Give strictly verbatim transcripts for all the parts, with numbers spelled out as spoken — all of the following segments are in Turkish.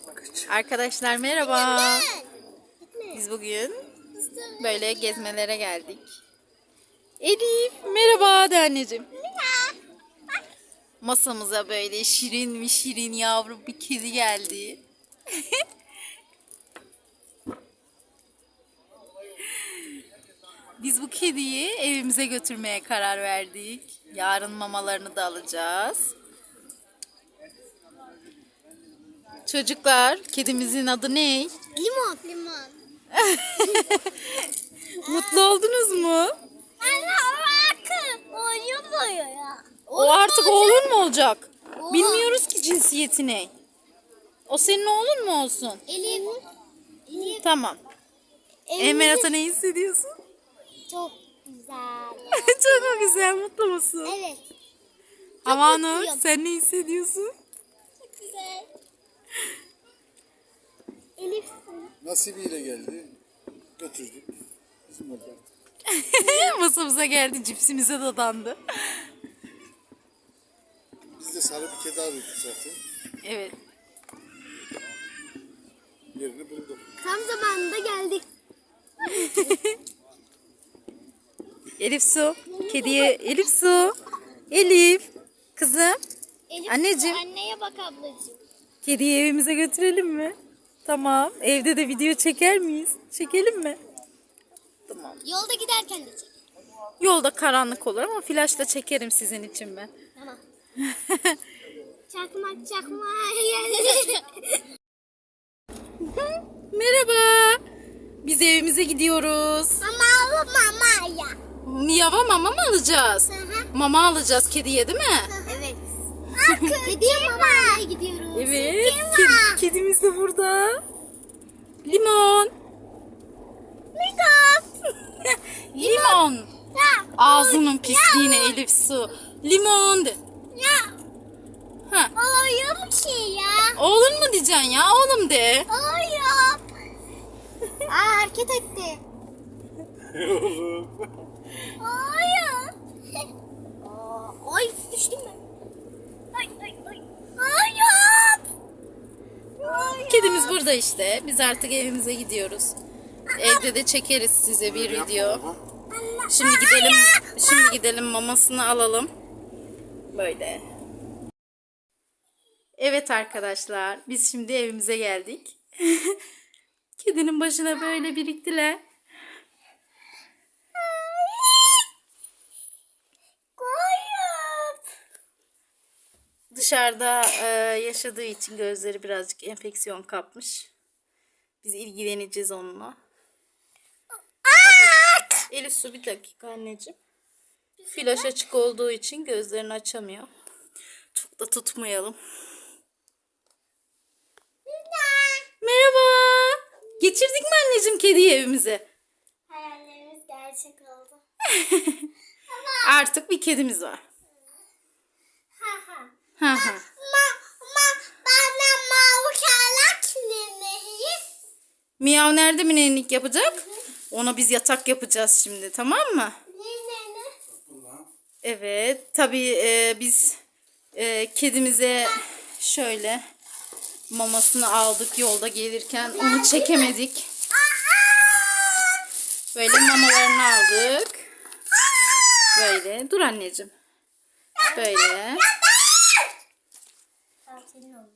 Arkadaşlar merhaba. Biz bugün böyle gezmelere geldik. Elif merhaba de anneciğim. Masamıza böyle şirin mi şirin yavru bir kedi geldi. Biz bu kediyi evimize götürmeye karar verdik. Yarın mamalarını da alacağız. Çocuklar, kedimizin adı ne? Limon. Limon. Mutlu oldunuz mu? Anne o artık oyun ya. O artık oğlun mu olacak? Bilmiyoruz ki cinsiyeti ne. O senin oğlun mu olsun? Elif. Elif. Tamam. Emerat'a ne hissediyorsun? Çok güzel. Çok mu güzel, mutlu musun? Evet. Havanur, sen ne hissediyorsun? Çok güzel. Elif. Nasibiyle geldi. Götürdük. Bizim orada. Masamıza geldi, cipsimize dadandı. Biz de sarı bir kedi arıyorduk zaten. Evet. Yerini bulduk. Tam zamanında geldik. Elif Su, kediye Elif Su. Elif, kızım. Elif, Anneciğim. Anneye bak ablacığım. Kediyi evimize götürelim mi? Tamam. Evde de video çeker miyiz? Çekelim mi? Tamam. Yolda giderken de çek. Yolda karanlık olur ama flaşla çekerim sizin için ben. Tamam. Çakmak çakmak. Merhaba. Biz evimize gidiyoruz. Mama mama ya. Miyava mama mı alacağız? Hı hı. Mama alacağız kediye değil mi? Evet. Kediye mamaya gidiyoruz. Evet. Kedi, kedimiz de burada. Limon. Limon. Limon. Ya. Ağzının pisliğine Elif Su. Limon de. Ya. Ha. Oyun ki ya. Oğlun mu diyeceksin ya? Oğlum de. Oyun. Aa, hareket etti. Oyun. Aa, ay düştüm ben. Ay ay ay. Oyun. Oyun. Kedimiz burada işte. Biz artık evimize gidiyoruz. Evde de çekeriz size bir video. Şimdi gidelim. Şimdi gidelim mamasını alalım. Böyle. Evet arkadaşlar, biz şimdi evimize geldik. Kedinin başına böyle biriktiler. Oyun. Dışarıda e, yaşadığı için gözleri birazcık enfeksiyon kapmış. Biz ilgileneceğiz onunla. Elif Su bir dakika anneciğim. Flaş açık olduğu için gözlerini açamıyor. Çok da tutmayalım. Merhaba. Geçirdik mi anneciğim kediyi evimize? Hayallerimiz gerçek oldu. Artık bir kedimiz var. Ha ha. Ha ha. Ma ma bana mavi kalak neyi? Miyav nerede minenlik yapacak? Ona biz yatak yapacağız şimdi, tamam mı? Ne ne ne? Evet. Tabii e, biz e, kedimize şöyle mamasını aldık yolda gelirken. Onu çekemedik. Böyle mamalarını aldık. Böyle. Dur anneciğim. Böyle. Senin olma.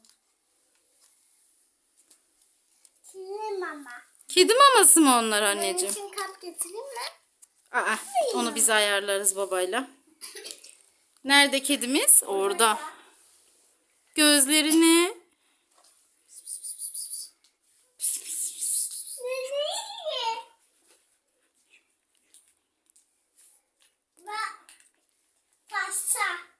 Senin mama. Kedi maması mı onlar Benim anneciğim? için kap getireyim mi? Aa, onu biz ayarlarız babayla. Nerede kedimiz? Orada. Gözlerini. Nereye? Bak. Pasta.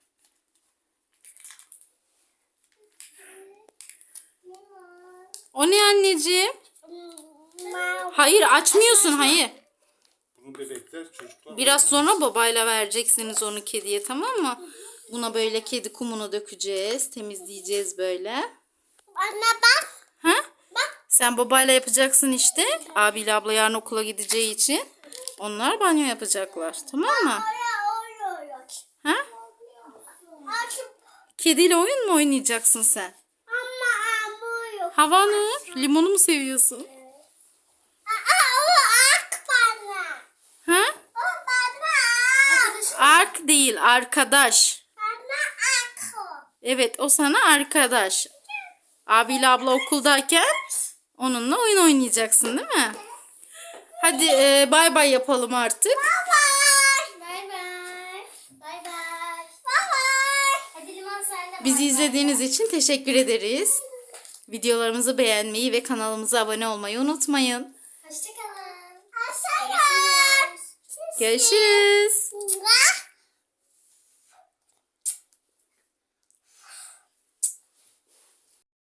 O ne anneciğim? Mavi. Hayır açmıyorsun hayır. Bunu bebekler, çocuklar. Biraz sonra babayla vereceksiniz onu kediye, tamam mı? Buna böyle kedi kumunu dökeceğiz. Temizleyeceğiz böyle. Anne bak. Ha? Bak. Sen babayla yapacaksın işte. Abiyle abla yarın okula gideceği için. Onlar banyo yapacaklar. Tamam mı? Oraya oraya. Ha? Açıp Kediyle oyun mu oynayacaksın sen? ama ama yok. Havanur, limonu mu seviyorsun? Aa, o ak bana. Ha? O bana. Ark değil, arkadaş. Bana ak o. Evet, o sana arkadaş. Abiyle abla okuldayken onunla oyun oynayacaksın, değil mi? Hadi e, bay bay yapalım artık. Bye bye. Bye bye. Bye bye. Bye bye. Hadi Limon sen de Bizi bye bye. izlediğiniz için teşekkür ederiz. Videolarımızı beğenmeyi ve kanalımıza abone olmayı unutmayın. Hoşçakalın. Hoşçakalın. Görüşürüz.